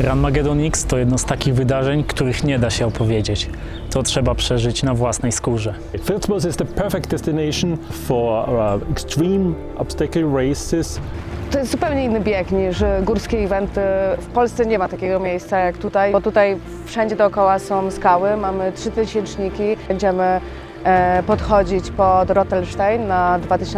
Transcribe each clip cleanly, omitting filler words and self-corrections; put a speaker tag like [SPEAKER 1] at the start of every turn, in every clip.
[SPEAKER 1] Ranmageddon X to jedno z takich wydarzeń, których nie da się opowiedzieć. To trzeba przeżyć na własnej skórze.
[SPEAKER 2] Filzmoos is the perfect destination for extreme obstacle races.
[SPEAKER 3] To jest zupełnie inny bieg niż górskie eventy. W Polsce nie ma takiego miejsca jak tutaj, bo tutaj wszędzie dookoła są skały, mamy 3000-niki. Będziemy podchodzić pod Rottelstein na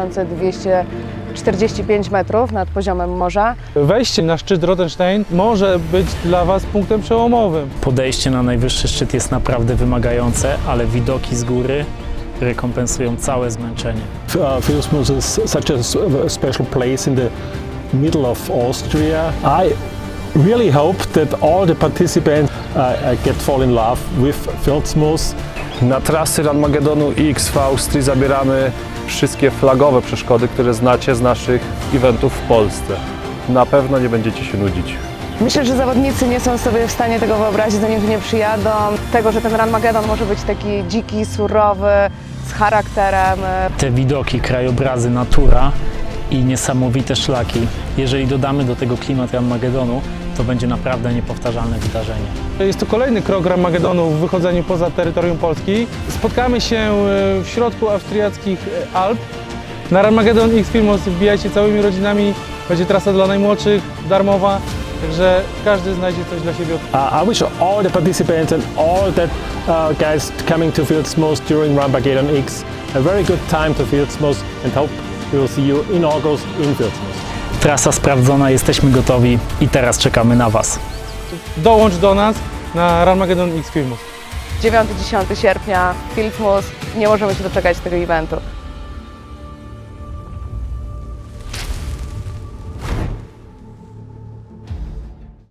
[SPEAKER 3] 2245 metrów nad poziomem morza.
[SPEAKER 4] Wejście na szczyt Rottelstein może być dla Was punktem przełomowym.
[SPEAKER 1] Podejście na najwyższy szczyt jest naprawdę wymagające, ale widoki z góry rekompensują całe zmęczenie.
[SPEAKER 2] Filzmoos is such a special place in the middle of Austria. I really hope that all the participants fall in love with Filzmoos.
[SPEAKER 5] Na trasy Ranmageddonu X w Austrii zabieramy wszystkie flagowe przeszkody, które znacie z naszych eventów w Polsce. Na pewno nie będziecie się nudzić.
[SPEAKER 3] Myślę, że zawodnicy nie są sobie w stanie tego wyobrazić, zanim tu nie przyjadą. Tego, że ten Ranmageddon może być taki dziki, surowy, z charakterem.
[SPEAKER 1] Te widoki, krajobrazy, natura i niesamowite szlaki. Jeżeli dodamy do tego klimat Ranmageddonu, to będzie naprawdę niepowtarzalne wydarzenie.
[SPEAKER 4] Jest to kolejny krok Ranmageddonu w wychodzeniu poza terytorium Polski. Spotkamy się w środku austriackich Alp. Na Ranmageddon X Filzmoos wbijajcie całymi rodzinami. Będzie trasa dla najmłodszych, darmowa. Także każdy znajdzie coś dla siebie.
[SPEAKER 2] I wish all the participants and all that guys coming to Filzmoos during Ranmageddon X a very good time to Filzmoos and hope we will see you in August in Filzmoos.
[SPEAKER 1] Trasa sprawdzona, jesteśmy gotowi i teraz czekamy na Was.
[SPEAKER 4] Dołącz do nas na Ranmageddon X Filzmoos.
[SPEAKER 3] 9-10 sierpnia, Filzmoos. Nie możemy się doczekać tego eventu.